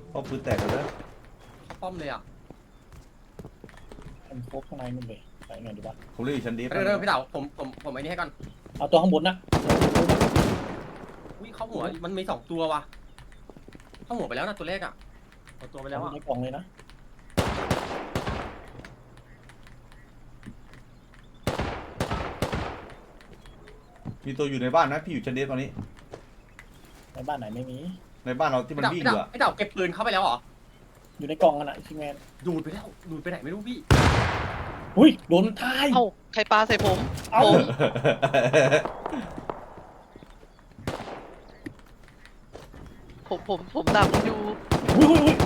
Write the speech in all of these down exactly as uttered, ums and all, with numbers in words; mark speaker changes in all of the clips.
Speaker 1: ป้อมปืนแตกเลยนะ
Speaker 2: ป้อมเลยอ่ะ
Speaker 3: มันครบข้างในนู่นเลยไปไงดีวะ
Speaker 1: ผมเรียกชั้นดี
Speaker 2: เร็วๆพี่เต๋าผมผมผมไอ้นี่ให้ก่อน
Speaker 3: เอาตัวข้างบนนะ
Speaker 2: อุ้ยเข้าหัวมันมีสองตัวว่ะเข้าหัวไปแล้วนะตัวแรกอ่ะเอาตัวไปแล้วอ่ะ
Speaker 3: ในกล่องเลยนะ
Speaker 1: มีตัวอยู่ในบ้านนะพี่อยู่ชั้นดีตอนนี้
Speaker 3: ในบ้านไหนไม่มี
Speaker 1: ในบ้านเราที่มันวิ่งอยู่อะ
Speaker 2: พี่เต๋าเก็บปืนเข้าไปแล้วเหรอ
Speaker 3: อยู่ในกล่องกันอะชิงแมน
Speaker 2: ดูดไปแล้วดูดไปไหนไม่รู้พี่
Speaker 3: อุ้ยโดนทาย
Speaker 4: เอ้าใครปาใส่ผม
Speaker 3: เอ้า
Speaker 4: ผมผมผมดักอยู่
Speaker 3: อุ้ยอุ้ยอุ้ย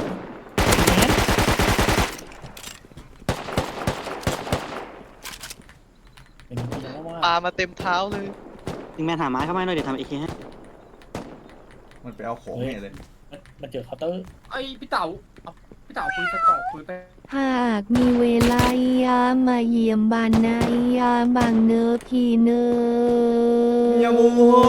Speaker 3: เป็นจริงแล้วว่า
Speaker 4: ปามาเต็มเท้าเลย
Speaker 5: ยิงแมนหาไม้เข้ามาหน่อยเดี๋ยวทำเอเคให้
Speaker 1: มันไปเอาของเนี่ยเลย
Speaker 3: มันเจอเคาน์เตอร์
Speaker 2: ไอ้พี่เต๋าพี่เต๋าปืนใส่กล่องปืนไป
Speaker 6: หากมีเวลายามาเยี่ยมบ้านนายยาบางเนอพี่เนอ
Speaker 1: อย่ามัว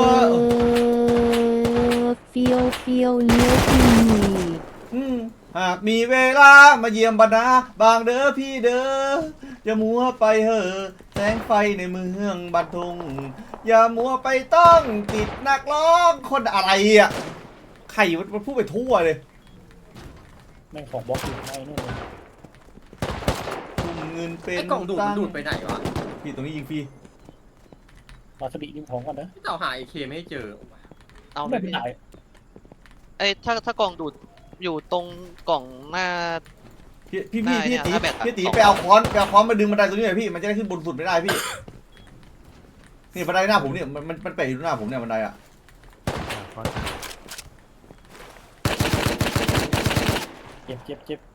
Speaker 6: เฟียวเฟียวเนื้อพี่
Speaker 1: หากมีเวลามาเยี่ยมบรรดาบางเด้อพี่เด้ออย่ามัวไปเหอะแสงไฟในเมืองบันทุงอย่ามัวไปต้องติดนักร้องคนอะไรอ่ะใครมันพูดไปทั่วเลย
Speaker 3: แม่งของบล็อกอยู่ในนู่นเลย
Speaker 1: ทุ่มเงินเป็น
Speaker 2: ไอ้กล่องดูดมันดูดไปไหนวะ
Speaker 1: พี่ตรงนี้ยิงฟรี
Speaker 3: วาสบิยิงของก่อนนะ
Speaker 2: พี่เต๋าหาไอเคไม่เจอ
Speaker 4: เอา
Speaker 3: ไม่เป็นไร
Speaker 4: ไอ้ถ้าถ้ากล่องดูดอยู่ตรงกล่องหน้า
Speaker 1: พี่พี่พี่พี่ตีพี่ตีไปเอาค้อนไปเอาค้อนมาดึงบันไดตรงนี้หน่อยพี่มันจะได้ขึ้นบนสุดไม่ได้พี่นี่บันไดหน้าผมเนี่ยมันมันมันเปะอยู่หน้าผมเนี่ยบันไดอ่ะ
Speaker 3: เจ็บเจ็บเจ็บ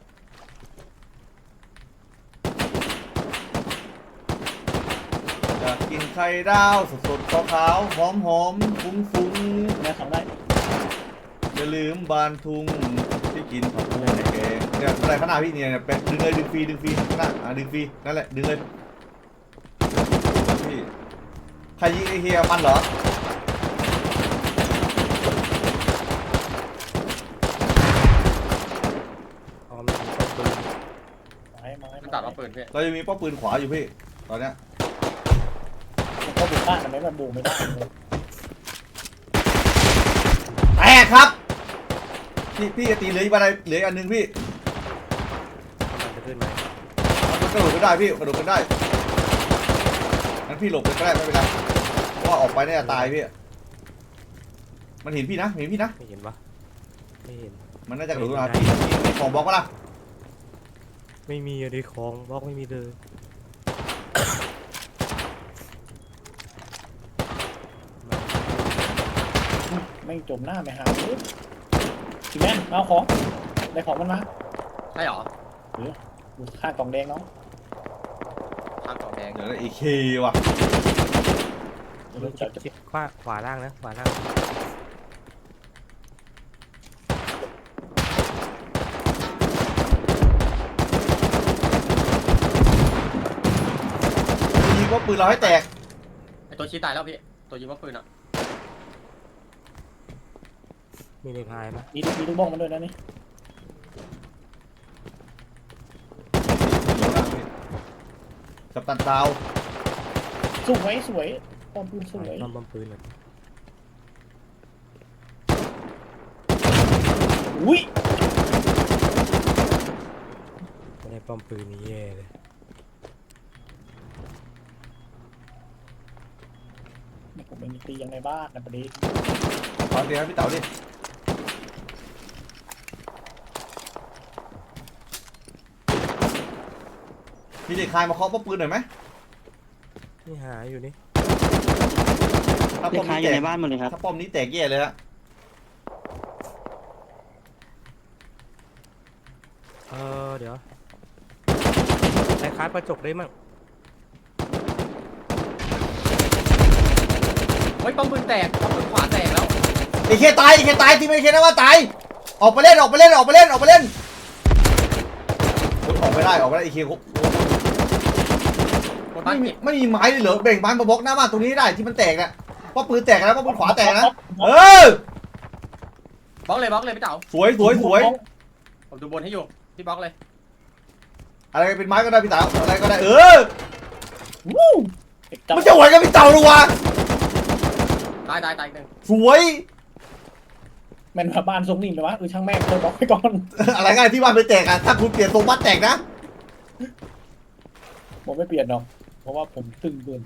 Speaker 1: อยากกินไข่ดาวสดสดขาวขาวหอมหอมฟุ้งฟุ้ง
Speaker 3: แม่ทำได้
Speaker 1: อย่าลืมบานทุ่งที่กินผักบุ้งในแกงเนี่ยบันไดข้างหน้าพี่เนี่ยเป็นดึงเลยดึงฟรีดึงฟรีข้างหน้าอ่ะดึงฟรีนั่นแหละดึงเลยพี่ใครยิงไอเฮียมันเหรอ
Speaker 2: ตัดเอาปืนพี่
Speaker 1: เราจะมีป้อมปืนขวาอยู่พี่ตอนเนี้ย
Speaker 3: มันก็บุกบ้านทำไมมันบุกไม่ได้เลย
Speaker 1: แตกครับพี่พี่ตีเหลืออีกอะไรเหลืออันนึงพี่
Speaker 2: มันจะขึ้นไหม
Speaker 1: มันกระโดดก็ได้พี่กระโดดก็ได้งั้นพี่หลบไปก็ได้ไม่เป็นไรเพราะว่าออกไปน่าจะตายพี่มันเห็นพี่นะเห็นพี่นะ
Speaker 2: ไม่เห็นปะไม่เห็น
Speaker 1: มันน่าจะกระโดดมาพี่มีของบล็อกปะล่ะ
Speaker 2: ไม่มีอะไรของบล็อกไม่มีเลย
Speaker 3: ไม่จมหน้าไม่หาสิแม่เอาของได้ของมันมา
Speaker 2: ใช่หรอ
Speaker 3: หรือดูข้างกล่องแดงเนาะ
Speaker 2: ข้างกล่องแดง
Speaker 1: เดี๋ยวไอเคว่ะ
Speaker 2: เดี๋ยวจะจะขวาขวาล่างนะขวาล่าง
Speaker 1: ยิงว่าปืนเราให้แตก
Speaker 2: ไอตัวชี้ตายแล้วพี่ตัวยิงว่าปืนอ่ะมีในพายไหม
Speaker 3: มีมีลูกบ้องมันด้วยนะนี่
Speaker 1: กับตันดาว
Speaker 3: สวยสวยป้อมปืนสวย
Speaker 2: ป้อมปืนเลย
Speaker 3: อุ้ย
Speaker 2: ไม่ได้ป้อมปืนนี้แย่เลย
Speaker 3: ผมไม่มีตียังในบ้านนะประเดี๋ยว
Speaker 1: ตอนเดียวพี่เต๋าดิพี่เด็กคายมาเคาะป้อมปืนหน่อยไหม
Speaker 2: นี่หาอยู่นี่
Speaker 1: ถ้าป้อมนี้แตกในบ้านหมดเลยครับถ้าป้อมนี้แตกแย่เลยฮะ
Speaker 2: เออเดี๋ยวไอ้คล้ายประจกได้มั้งเฮ้ยป้อมปืนแตกป้อมปืนขวาแตกแล้ว
Speaker 1: ไอเคตายไอเคตายที่ไม่เคนะว่าตายออกไปเล่นออกไปเล่นออกไปเล่นออกไปเล่นออกไม่ได้ออกไม่ได้ไอเคไม่มีไม่มีไม้เลยเหรอเบ่งไม้มาบล็อกหน้าบ้านตรงนี้ได้ที่มันแตกน่ะป้อมปืนแตกแล้วป้อมปืนขวาแตกนะเออบล็อก
Speaker 2: เลยบล็อกเลยพี่เต๋า
Speaker 1: สวยสวยสวย
Speaker 2: ผมดูบนให้อยู่พี่บล็อกเลย
Speaker 1: อะไรเป็นไม้ก็ได้พี่เต๋าอะไรก็ได้เออ
Speaker 3: วู้เด็กเจ้า
Speaker 1: มันจะไหวกับพี่เต๋าหรอวะ
Speaker 2: ตายตายตายอีกหนึ่ง
Speaker 1: สวย
Speaker 3: แมันมาบ้านทรงนี่ไหมวะเออช่างแม่งเคยบอกไปก่อน
Speaker 1: อะไรง่ายที่บ้านไปแตกอะถ้าคุณเปลี่ยนทรงบ้านแตกนะ
Speaker 3: ผมไม่เปลี่ยนหรอกเพราะว่าผมตึงเกิน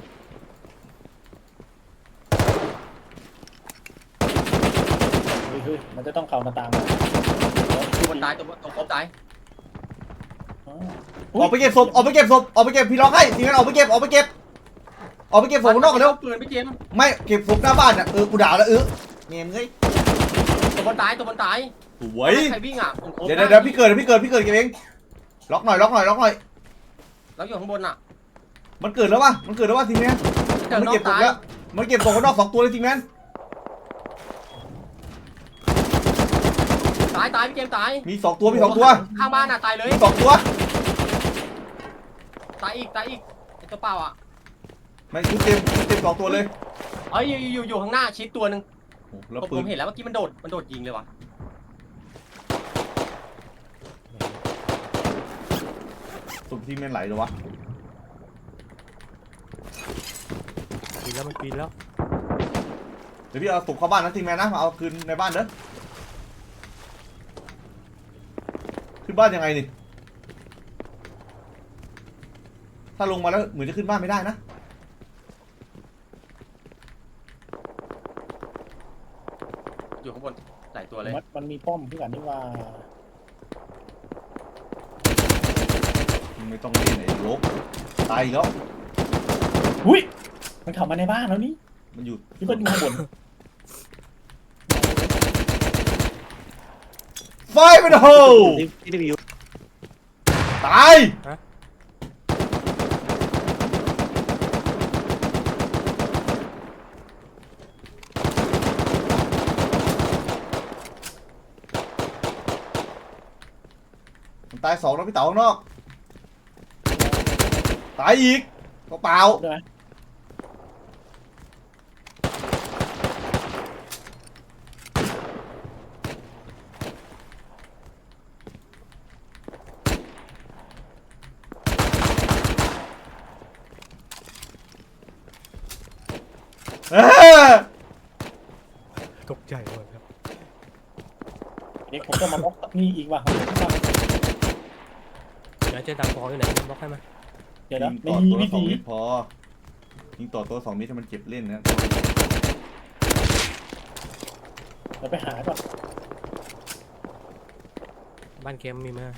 Speaker 3: เฮ้ยเฮ้ยมันจะต้องเข้ามาตาม
Speaker 2: ตัวบนตายตัวบนตัวครบตาย
Speaker 3: อ๋อ
Speaker 1: ออกไปเก็บศพออกไปเก็บศพออกไปเก็บพี่ร้องให้ทีนั้นออกไปเก็บออกไปเก็บออกไปเก็บศพข้างนอกกันเร็ว
Speaker 2: ปืนพี่เจมส์
Speaker 1: ไม่เก็บศพหน้าบ้านอ่ะเออกูด่าแล้วเออเงี้ยเงย
Speaker 2: ตัวบนตายตัวบนตาย
Speaker 1: สวย
Speaker 2: ใครวิ่งอ่ะผมครบ
Speaker 1: เดี๋ยวเดี๋ยวเดี๋ยวพี่เกิดพี่เกิดพี่เกิดเก็บเองล็อกหน่อยล็อกหน่อยล็อกหน่อย
Speaker 2: แล้วอยู่ข้างบนอ่ะ
Speaker 1: มันเกิดแล้ววะมันเกิดแล้ววะทีนี้
Speaker 2: เดี๋ยว
Speaker 1: มัน
Speaker 2: น้อ
Speaker 1: เก็บ
Speaker 2: ง
Speaker 1: ศพ
Speaker 2: ตาย
Speaker 1: แล้วมันเก็บศพข้างนอกสองตัวเลยทีนี้
Speaker 2: ตายตายพี่เจมส์ตาย
Speaker 1: มีสองตัวมีสองตัว
Speaker 2: ข้างบ้านอ่ะตายเลย
Speaker 1: มีสองตัว
Speaker 2: ตายอีกตายอีกไอ้ตัวเปล่าอ่ะ
Speaker 1: ไม่ชุดเต็มชุดเต็มสองตัวเลย
Speaker 2: เอ้ยอยู่อยู่อยู่ข้างหน้าชิดตัวหนึ่ง
Speaker 1: โอ้แล้ว
Speaker 2: ผม
Speaker 1: ปื
Speaker 2: ผ
Speaker 1: น
Speaker 2: มเห็นแล้วเมื่อกี้มันโดดมันโดดยิงเลยว่ะ
Speaker 1: ศพที่แม่นไหลเลยวะ
Speaker 7: ปีนแล้วมันปีนแล้ว
Speaker 1: เดี๋ยวพี่เอาศพเข้าบ้านนะทีแมนนะมาเอาคืนในบ้านเด้อขึ้นบ้านยังไงนี่ถ้าลงมาแล้วเหมือนจะขึ้นบ้านไม่ได้นะ
Speaker 2: อยู่ข้างบนหลายตัวเลย
Speaker 3: มันมันมีป้อมที่กันนี่ว่า
Speaker 1: ไม่ต้องเล่นไอ้ลบตายอีกแล้ว
Speaker 3: หุ้ยมันเข้ามาในบ้านแล้วนี่
Speaker 1: มันอยู่
Speaker 3: ที่มันอยู่ข้างบน
Speaker 1: ไฟมันโฮ
Speaker 5: ที่รีวิว
Speaker 1: ตายมันตายสองแล้วพี่เต๋าข้างนอกตายอีกก็เปล่า
Speaker 3: ได้ไหม
Speaker 1: เออ
Speaker 7: ตกใจหมดครับ
Speaker 3: เด็กผมจะมาบล็อกนี่อีกว่ะ
Speaker 7: เดี๋ยวเจดังฟออยู่ไหนบล็อกให้มา
Speaker 3: เดี๋ยวนะ
Speaker 1: ยิง
Speaker 3: ไม่
Speaker 1: ต่อ
Speaker 3: มี
Speaker 1: ตัว
Speaker 3: วิ ธี
Speaker 1: ละสองเมตรพอยิงต่อตัวสองเมตรให้มันเก็บเล่นนะ
Speaker 3: เราไปหาก่อน
Speaker 7: บ้านเกมมีไหม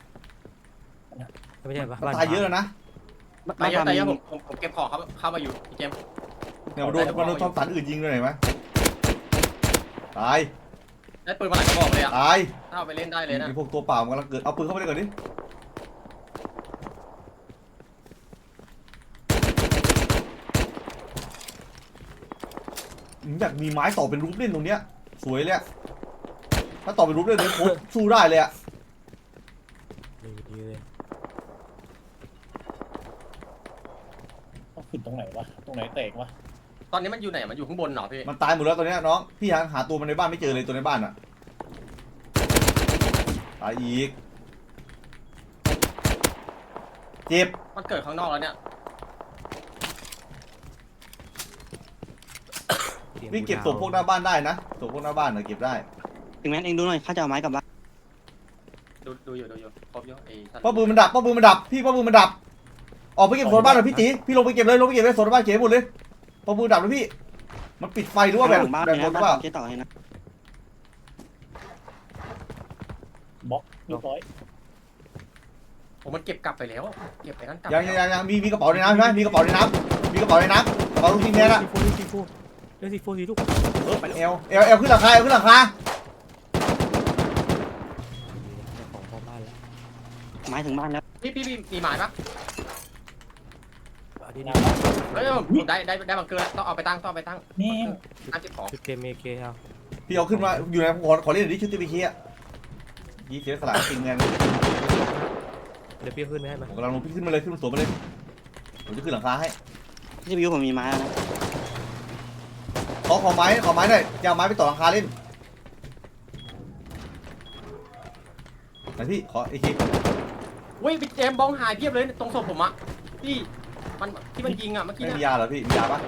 Speaker 7: ไม่ใช่ปะ
Speaker 1: มัน
Speaker 7: บ้าน
Speaker 1: ตายเยอะแล้วนะ
Speaker 2: ตายเยอะตายเยอะผมผมผมเก็บของเขาเข้ามาอยู่พี่เจมส์
Speaker 1: เนี่ยมันโดนมันโดนทอมสันอื่นยิงด้วยเห็นไหมตาย
Speaker 2: ได้ปืนมาหลายกระบอกเลยอ่ะ
Speaker 1: ตาย
Speaker 2: ถ้าเอาไปเล่นได้เลยนะ
Speaker 1: ไอ้พวกตัวเปล่ามันกำลังเกิดเอาปืนเข้าไปเลยก่อนดิผมอยากมีไม้ต่อเป็นรูปเล่นตรงเนี้ยสวยเลยอะถ้าต่อเป็นรูปเล่นเนี่ยโคตรสู้ได้เลยอะ
Speaker 7: ดีดีเลย
Speaker 3: ต้องขึ้นตรงไหนวะตรงไหนแตกวะ
Speaker 2: ตอนนี้มันอยู่ไหนมันอยู่ข้างบนเหรอพี่
Speaker 1: มันตายหมดแล้วตอนเนี้ยน้องพี่หาหาตัวมันในบ้านไม่เจอเลยตัวในบ้านอะตายอีกเจ็บ
Speaker 2: มันเกิดข้างนอกแล้วเนี่ย
Speaker 1: วิ่งเก็บศพพวกหน้าบ้านได้นะศพพวกหน้าบ้านเน่ะเก็บได้
Speaker 5: ถึงแม้เองดูหน่อยข้าจะเอาไม้กลับบ้าน
Speaker 2: ดูดูอยู่ดูอยู่ครบอยู่ไอ้สัตว์
Speaker 1: ป้าปืนมันดับป้าปืนมันดับพี่ป้าปืนมันดับออกไปเก็บโซนบ้านหน่อยพี่ตีพี่ลงไปเก็บเลยลงไปเก็บเลยโซนบ้านเก็บให้หมดเลยป้าปืนดับแล้วพี่มันปิดไฟหรือว่าแบ่ง
Speaker 5: หลังบ้าน
Speaker 1: แบ่ง
Speaker 5: เลย
Speaker 1: ค
Speaker 5: นะ
Speaker 1: นหรือเปล่า
Speaker 5: เจ๊ต่อให้นะ
Speaker 3: บล็อกเรียบร้อย
Speaker 2: ผมมันเก็บกลับไปแล้วเก็บไปนั่นกลับ
Speaker 1: ยังยังยังยังมีมีกระเป๋าในน้ำใช่ไหมมีกระเป๋าในน้ำมีกระเป๋าในน้ำกระเป๋าลูกทีมแน่ละ
Speaker 7: ซีโฟซีโฟเล่นซีโฟซีลูก
Speaker 1: เออเอลเอลเอลขึ้นราคาเอลขึ้นราคา
Speaker 7: ของพ่อบ้านแล้ว
Speaker 5: ไม้ถึงบ้านแล้ว
Speaker 2: พี่พี่พี่มีหมายปะ
Speaker 7: อันนี้
Speaker 3: นะ
Speaker 7: นี่
Speaker 2: เฮ้ยผมได้ได้ได้บังเกอร์แล้วต้องเอาไปตั้งต้องเอาไปตั้ง
Speaker 3: แม่ง
Speaker 2: ตั้งเก็บของ
Speaker 7: ชุดเกมเมเคเอา
Speaker 1: พี่เอาขึ้นมาอยู่ในขอขอเล่นหน่อยดิชุดตีบีเคียยี่เสียสละจริงเงิน
Speaker 7: เดี๋ยวพี่ขึ้นไปให้มา
Speaker 1: ผมกำลังลงพี่ขึ้นมาเลยขึ้นมาสวนมาเลยผมจะขึ้นหลังคาให้
Speaker 5: ที่รีวิวผมมีไม้แล้วนะ
Speaker 1: ขอขอไม้ขอไม้หน่อยจะเอาไม้ไปต่อหลังคาเล่นไหนพี่ขอไอ้คี
Speaker 2: อุ้ยพี่เจมส์บองหายเพียบเลยตรงศพผมอะพี่มันที่มันยิงอะเมื่อกี้
Speaker 1: ไม่
Speaker 2: นะ
Speaker 1: มียาเหรอพี่มียาปะ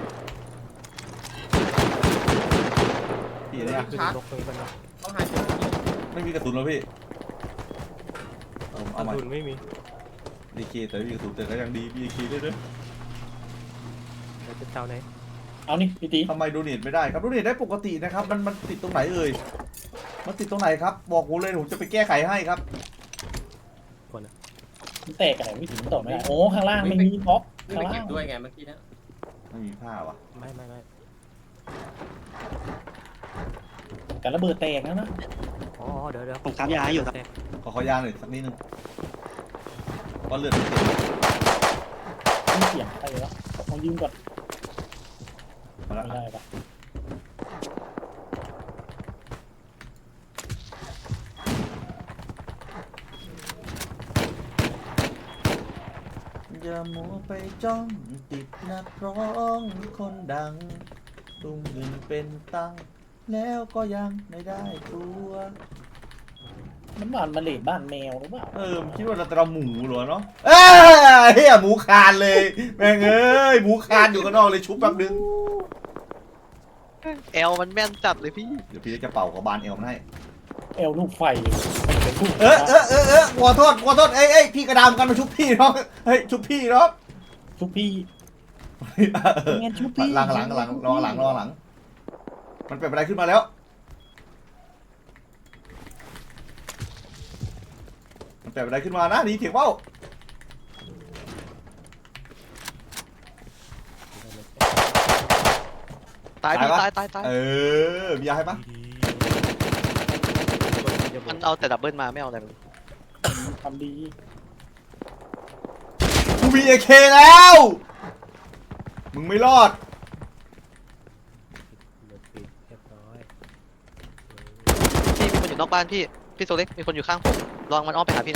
Speaker 1: พี่อันเนี้ย
Speaker 7: ขึ้นนกตรงนี้มันนะ
Speaker 2: บองหายเพียบเลย
Speaker 1: ไม่มีกระสุนแล้วพี่เอา
Speaker 7: ก
Speaker 1: เอา
Speaker 7: ระ
Speaker 1: ใหม่
Speaker 7: สุนไม่มี
Speaker 1: ดีเคแต่ไม่มีกระสุนแต่ก็ยังดีมีคีด้วยด้วย
Speaker 7: เราจะเจ้าไหน
Speaker 3: เอานี่พี่ตี
Speaker 1: ทำไมโดเนทไม่ได้ครับโดเนทได้ปกตินะครับมันมันติดตรงไหนเอ่ยมันติดตรงไหนครับบอกผมเลยผมจะไปแก้ไขให้ครับ
Speaker 7: คนนะ
Speaker 3: มันแตกอะไรไม่ถึงต่อไม่ได้โอ้ข้างล่างไม่มีบล็อก
Speaker 2: ไม่
Speaker 3: ข้าง
Speaker 2: ไป
Speaker 3: ล่า
Speaker 2: เก็บ
Speaker 3: ง
Speaker 2: ด้วยไงเมื่อกี้นะ
Speaker 1: ไม่มีผ้าวะ
Speaker 7: ไม่ไม่ไม่
Speaker 3: แต่ระเบิดแตกแล้วนะ
Speaker 7: อ๋อเดี๋ยวเดี๋ยว
Speaker 5: ผมครับยาอยู่ครับ
Speaker 7: แตก
Speaker 1: ขอขอยาหน่อยสักนิดนึงก็เลือดไม่เต็ม
Speaker 3: มีเสียงใครแล้วเอายืมก่อน
Speaker 1: มาแล้ว
Speaker 3: ไม่ได้ปะ
Speaker 1: อย่ามัวไปจ้องติดนักร้องคนดังตุ้มเงินเป็นตังค์แล้วก็ยังไม่ได้ตัว
Speaker 3: น้ำมันมาเลดบ้านแมวหรือเปล่า
Speaker 1: เออคิดว่าเราจะเอาหมูเหรอเนาะเอ้ยเฮียหมูคานเลยแม่งเอ้ยหมูคานอยู่ข้างนอกเลยชุบแป๊บนึง
Speaker 4: แอลมันแม่นจัดเลยพี่
Speaker 1: เดี๋ยวพี่จะเป่ากับบานเอลมันให้
Speaker 3: เอลลูกไฟเป็นลูก
Speaker 1: เออเออเออเออขอโทษขอโทษเอ้ยเอ้ยพี่กระดามกันมาชุบพี่เนาะเฮ้ยชุบพี่เนาะ
Speaker 3: ชุบพี่
Speaker 1: เออ
Speaker 3: งั้นชุบพี่
Speaker 1: หลังหลังหลังรอหลังรอหลังมันเป็นอะไรขึ้นมาแล้วมันเป็นอะไรขึ้นมานะนี่เถียงเป้า
Speaker 4: ตายพี่ตายตายตาย
Speaker 1: เออมียาให้ปะ
Speaker 7: ดีๆ
Speaker 4: มันเอาแต่ดับเบิลมาไม่เอาอะไรเลย
Speaker 3: ทำดี
Speaker 1: กูมีเอเคแล้วมึงไม่รอด
Speaker 7: เดี๋ยวปิดเรียบร้อย
Speaker 4: พี่มีคนอยู่นอกบ้านพี่พี่โซเล็กมีคนอยู่ข้างผมลองมันอ้อมไปหาพี่นะ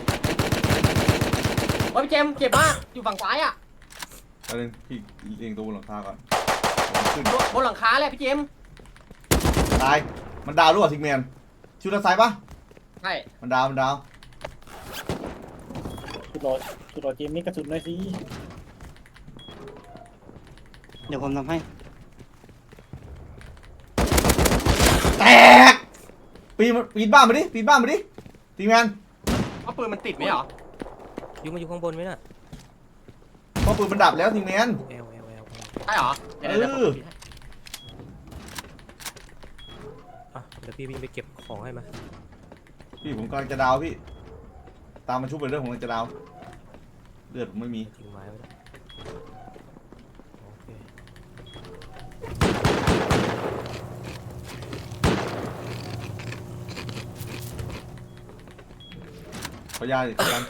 Speaker 2: โอ้ยพี่เจมส์เจ็บมากอยู่ฝั่งซ้ายอะ
Speaker 1: เอาเลยพี่เรียงตัวบนหลังคาก่อนขึ้น
Speaker 2: บนหลังคาเลยพี่เจมส์
Speaker 1: ตายมันดาวรู้ป่ะทิกแมนชูด้านซ้ายปะ
Speaker 2: ใช่
Speaker 1: มันดาวมันดาว
Speaker 3: ชุดรอชุดรอเจมนี่กระสุนหน่อยสิ
Speaker 5: เดี๋ยวผมทำให้
Speaker 1: แตกปีนปีนบ้านมาดิปีนบ้านมาดิทิกแมน
Speaker 2: ว่าปืนมันติดไหมเหรอ
Speaker 7: ยูมาอยู่ข้างบนไหมน่ะ
Speaker 1: เพราะปืนมันดับแล้วทิกแมน
Speaker 7: เอลเอลเอล
Speaker 2: ใช่เหรอเดี๋ยวเดี๋ยวผมปิดให้
Speaker 7: อ่ะเดี๋ยวพี่วิ่งไปเก็บของให้มา
Speaker 1: พี่ผมกำลังจะดาวพี่ตามมาชุบไปเรื่องของกำลังจะดาวเลือดผมไม่มี
Speaker 7: ทิ้งไม้ไว้แล้วโอเค
Speaker 1: ขอยาดิกัน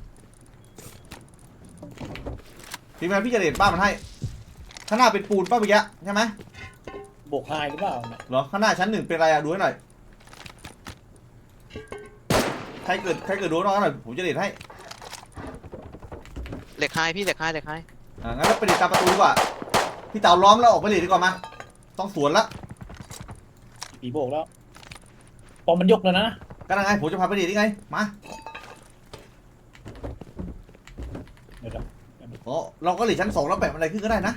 Speaker 1: ทีมงานพี่จะเด็ดบ้านมันให้ข้างหน้าเป็นปูนป้าเมื่อกี้ใช่ไหม
Speaker 3: โบกไฮหรือเปล่าเนี่ย
Speaker 1: เหรอข้างหน้าชั้นหนึ่งเป็นอะไรอะดูให้หน่อยใครเกิดใครเกิดดูน้องหน่อยผมจะเด็ดให้
Speaker 4: เหล็กไฮพี่เหล็กไฮเหล็กไฮ
Speaker 1: อ่างั้นก็ไปเด็ดตามประตูดีกว่าพี่เต่าล้อมแล้วออกไปเด็ดดีกว่ามาต้องสวนละ
Speaker 3: ผีโบกแล้วปอมมันยกแล้วนะ
Speaker 1: ก็ยังไงผมจะพาไปเด็ดยังไงมา
Speaker 3: เดี๋ยวเดี๋ยว
Speaker 1: โอ้เราก็เหลือชั้นสองแล้วแปะอะไรขึ้นก็ได้นะ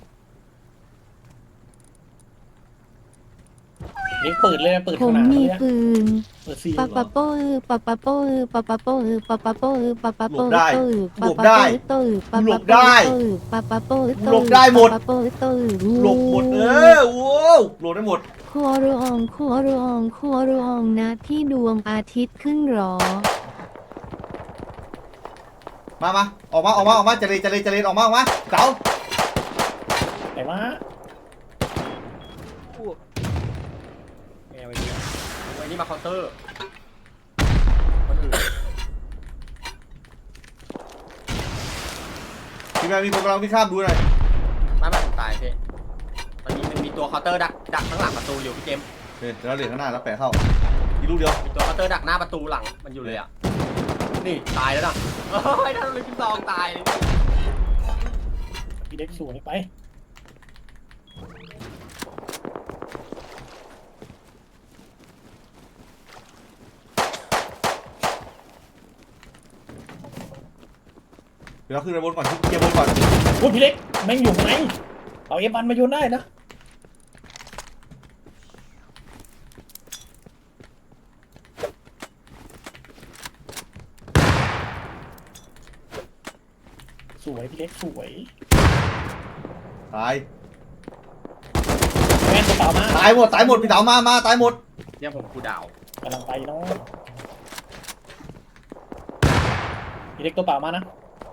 Speaker 3: เล็กเปิดเลยนะเปิด
Speaker 6: ผ
Speaker 3: ข
Speaker 6: ม
Speaker 3: นาด
Speaker 6: มี
Speaker 3: นี้นะ
Speaker 6: ปืน
Speaker 3: เปิดซี
Speaker 6: ปะปะโป้อปะปะโป้อปะปะโป้อปะปะโป้อปะปะโป้อ
Speaker 1: หลบได้
Speaker 6: ตื้อ
Speaker 1: หลบได้
Speaker 6: ปะปะโป้อตื้อปะ
Speaker 1: หล
Speaker 6: ปะ
Speaker 1: บ
Speaker 6: โป้
Speaker 1: ได้
Speaker 6: อตื้อปะปะโป้อตื้อ
Speaker 1: หลบได้หมด
Speaker 6: ปะปะโป้อตื้อ
Speaker 1: หลบหมดเออโว้วหลบได้หมด
Speaker 6: ครัวรองครัวรองครัวรองนะที่ดวงอาทิตย์ขึ้นหรอ
Speaker 1: มามาออกมาออกมาออกมาจะเลยจะเลยจะเลยออกมาออกมาเก๋า
Speaker 3: ไหนวะ
Speaker 7: ไม่เอาไว้ดี
Speaker 2: ไว้นี่มาเคาน์เตอร์คนอื่น
Speaker 1: ทีมงานมีคนกำลังวิ่งข้ามดูหน่อย
Speaker 2: ไม่ไม่ผมตายพี่มันมีมันมีตัวเคาน์เตอร์ดักดักข้างหลังประตูอยู่พี่เจมส์
Speaker 1: โอเคเดี๋ยวเราเหรียญข้างหน้าแล้วแปะเข้าอีกลูกเดียว
Speaker 2: มีตัวเคาน์เตอร์ดักหน้าประตูหลังมันอยู่เลยอ่ะนี่ตายแล้วนะเฮ้ยถ้าเราเลยพี่ซองตาย
Speaker 3: พี่เล็กสวยไป
Speaker 1: พี่เราขึ้นไปบนก่อนเคลียร์บนก่อน
Speaker 3: พูดพี่เล็กแม่งอยู่ไหนเอาเอฟมันมาโยนได้นะสวยพี่เล็กสวย
Speaker 1: ตาย
Speaker 3: แม่นตัวเปล่ามา
Speaker 1: ตายหมดตายหมดพี่เต๋ามามาตายหมด
Speaker 2: เนี่ยผมกูดาว
Speaker 3: กำลังไปเนาะพี่เล็กตัวเปล่ามานะ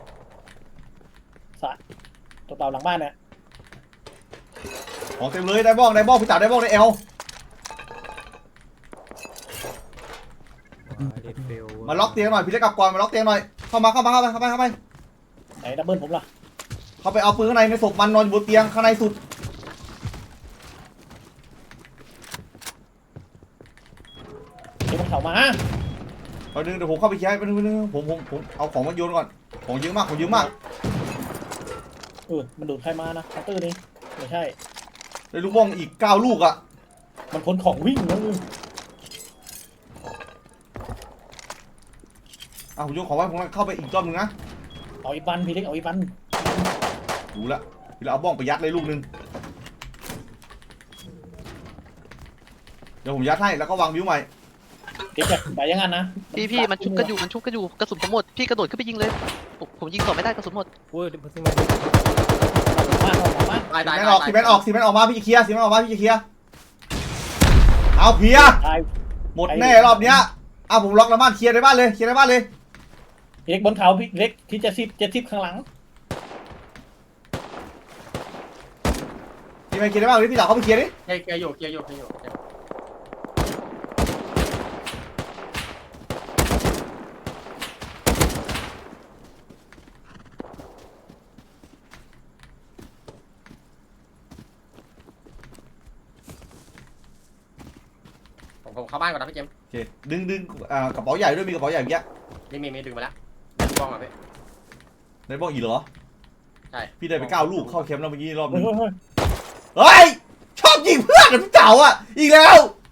Speaker 3: สะตัวเปล่าหลังบ้านเนี่ย
Speaker 1: ของเต็มเลยได้บ้องได้บ้องพี่เต๋าได้บ้องได้เอล
Speaker 7: ว้ายเดดเฟล
Speaker 1: มาล็อกเตียงหน่อยพี่เล็กกลับก่อนมาล็อกเตียงหน่อยเข้ามาเข้ามาเข้าไปเข้าไปเข้าไป
Speaker 3: ไหนดับเบิลผมล่ะ
Speaker 1: เข้าไปเอาปืนข้างในในศพมันนอนอยู่บนเตียงข้างในสุด
Speaker 3: เดี๋ยวมันเข้ามา
Speaker 1: เอาดึงเดี๋ยวผมเข้าไปเคลียร์ไปนึงไปนึงผมผมผมเอาของมาโยนก่อนของเยอะมากของเยอะมาก
Speaker 3: เออมันดูดใครมานะเคาน์เตอร์นี่ไม่ใช่
Speaker 1: ได้ลูกบ้องอีกเก้าลูกอ่ะ
Speaker 3: มันคนของวิ่งนะ
Speaker 1: อ่ะผมโยนของไว้ผมเข้าไปอีกรอบนึงนะ
Speaker 3: เอาอีบันพี่เล็กเอาอีบัน
Speaker 1: ดูละพี่เราเอาบ้องไปยัดเลยลูกนึงเดี๋ยวผมยัดให้แล้วก็วางวิวใหม่
Speaker 3: เด็กแบบไปอยังงั้นนะ
Speaker 4: พี่พี่มันชุบกันอยู่มันชุบกันอยู่กระสุนผมหมดพี่กระโดดขึ้นไปยิงเลยผมผมยิงต่อไม่ได้กระสุนหมด
Speaker 7: โอ้ยเดี๋ยวซึ่งมัน
Speaker 3: มาเอามา
Speaker 2: ตาย
Speaker 1: สี
Speaker 2: ตาย
Speaker 1: แมนออกสีแมนออกสีแมนออกมาพี่จะเคลียร์สีแมนออกมาพี่จะเคลียร์เอาเคลียร์
Speaker 3: ตาย
Speaker 1: หมดแน่รอบเนี้ยอ่ะผมล็อกแล้วบ้านเคลียร์ในบ้านเลยเคลียร์ในบ้านเลย
Speaker 3: พี่เล็กบนเขาพี่เล็กที่เจ็ดสิบเจ็ดสิบข้างหลัง
Speaker 1: พี่ไปเคลียร์ในบ้านเลยพี่สาวเข้าไปเคลียร์ดิ
Speaker 2: เคลียร์เคลียร์อยู่เคลียร์อยู่เคลียร์อยู่เคลียร์อยู่ ผมผมเข้าบ้านก่อนนะพี่เจมส์
Speaker 1: โอเคดึงดึงอ่ากระเป๋าใหญ่ด้วยมีกระเป๋าใหญ่เมื่อกี้
Speaker 2: นี่มีมีดึงมาแล้วดึงบ้องอ่ะพี่
Speaker 1: ในบ้องอีกเหรอ
Speaker 2: ใช่
Speaker 1: พี่ได้ไปเก้าลูกเข้าแคมป์แล้วเมื่อกี้รอบนึ
Speaker 3: เฮ้ย
Speaker 1: ง
Speaker 3: เฮ้ยเฮ้ย
Speaker 1: เฮ้ยชอบยิงเพื่อนนะพี่เต๋าอ่ะอีกแล้ว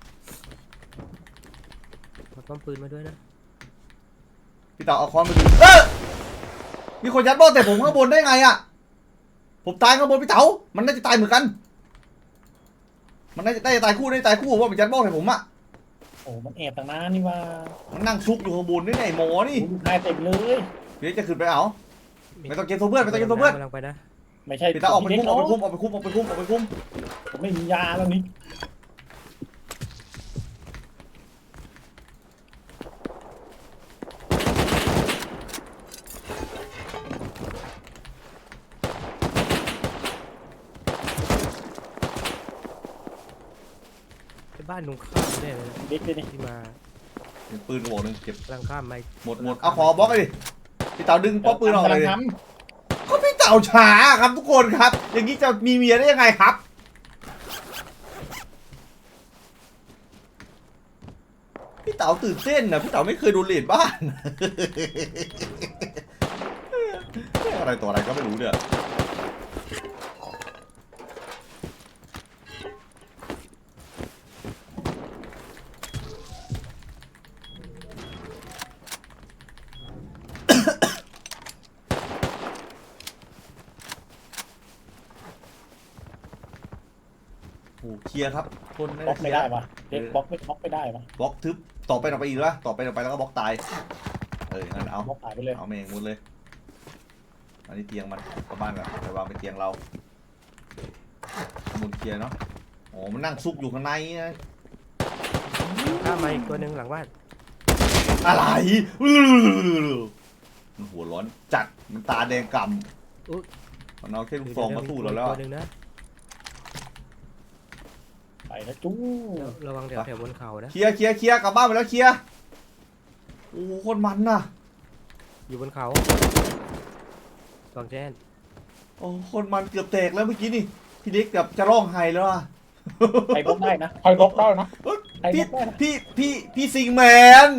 Speaker 7: เอาป้อมปืนมาด้วยนะ
Speaker 1: พี่เต๋าเอาค้อนมาดูเออมีคนยัดบ้องแต่ผมข้างบนได้ไงอ่ะผมตายข้างบนพี่เต๋ามันน่าจะตายเหมือนกัน มันน่าจะได้ตายคู่ได้ตายคู่เพราะมันยัดบ้องใส่ผมอ่ะ
Speaker 3: โอ้มันแอบตั้งนานนี่ว่า
Speaker 1: มันนั่งซุกอยู่ข้างบนนี่ไงหมอนี่
Speaker 3: นายเต็มเลย
Speaker 1: เดี๋ยวจะขึ้นไปเอาไม่ต้องเกมโซเพื่อนไม่ต้องเกมโซเพื่อน
Speaker 7: กำลังไปนะ
Speaker 3: ไม่ใช่
Speaker 1: พี่เต๋าออกไป
Speaker 3: พี่
Speaker 1: คุ้ม
Speaker 3: เล็
Speaker 1: ออกไป
Speaker 3: เนาะ
Speaker 1: คุ้มออกไปคุ้มออกไปคุ้มออกไปคุ้ม
Speaker 3: ผมไม่มียาแล้วนี่
Speaker 7: ไอ้บ้านตรงข้ามแน่เลยนะ
Speaker 3: เด็กเลยนี่
Speaker 7: ที่มา
Speaker 1: เก็บปืนกระบอกหนึงเก็บ
Speaker 7: กำลังข้ามไป
Speaker 1: หมดหมดเอาขอบล็อกเลยดิพี่เต๋าดึงป๊อปปืนออกเลย
Speaker 3: กำ
Speaker 1: ดิ
Speaker 3: ลังท
Speaker 1: ก็พี่เต๋าช้าครับทุกคนครับ อย่างนี้จะมีเมียได้ยังไงครับ พี่เต๋าตื่นเต้นนะพี่เต๋าไม่เคยโดนเลดบ้าน อะไรตัวอะไรก็ไม่รู้เนี่ยโอ้เคลียร์ครับคน
Speaker 3: ำบล็อกไม่ได้ปะเด็กบล็อกไม่บล็อกไม่ได้ปะ
Speaker 1: บล็อกทึบต่อไปต่อไปอีกแล้วต่อไปต่อไปแล้วก็บล็อกตายเอองั้นเอา
Speaker 3: บล็อกหายไปเลย
Speaker 1: เอาเมงมุดเลยอันนี้เตียงมันกลับบ้านก่อนไปวางเป็นเตียงเรามุนเคลียร์เนาะโอ้มันนั่งซุกอยู่ข้างในนะ
Speaker 7: ข้ามมาอีกตัวหนึ่งหลังบ้าน
Speaker 1: อะไรมันหัวร้อนจัดมันตาแดงกำมันเอาแค่ลูกซองมาสู้เราแล้ว
Speaker 7: ตั
Speaker 1: อะ
Speaker 7: วหนึ่งนะ
Speaker 3: ไปนะจู้
Speaker 7: แล้วระวังแถวแถวบนเขานะ
Speaker 1: เคลียร์เคลียร์เคลียร์กลับบ้านไปแล้วเคลียร์โอ้โคตรมันน่ะ
Speaker 7: อยู่บนเขาสองแจ้น
Speaker 1: โอ้โคตรมันเกือบแตกแล้วเมื่อกี้นี่พี่เล็กเกือบจะร้องไห้แล้วอะ
Speaker 3: ใครบล็อกได้นะใครบล็อกได้นะใครบ
Speaker 1: พี่
Speaker 3: ล็อกได้นะ
Speaker 1: พี่พี่พี่ซิงแมน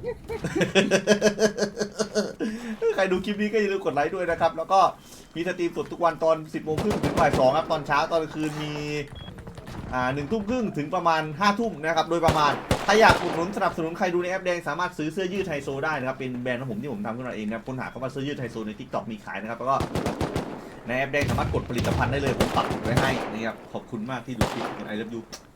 Speaker 1: ใครดูคลิปนี้ก็อย่าลืมกดไลค์ด้วยนะครับ แล้วก็มีสตรีมสดทุกวันตอนสิบโมงครึ่งถึงบ่ายสองครับ ตอนเช้าตอนกลางคืนมีอ่าหนึ่งทุ่มครึ่งถึงประมาณห้าทุ่มนะครับโดยประมาณถ้าอยากอุดหนุนสนับสนุนใครดูในแอปแดงสามารถซื้อเสื้อยืดไฮโซได้นะครับเป็นแบรนด์ของผมที่ผมทำขึ้นมาเองนะครับค้นหาคำว่าเสื้อยืดไฮโซใน ทิกต็อก มีขายนะครับแล้วก็ในแอปแดงสามารถกดผลิตภัณฑ์ได้เลยผมปักหมุดไว้ให้นะครับขอบคุณมากที่ดูคลิป I love you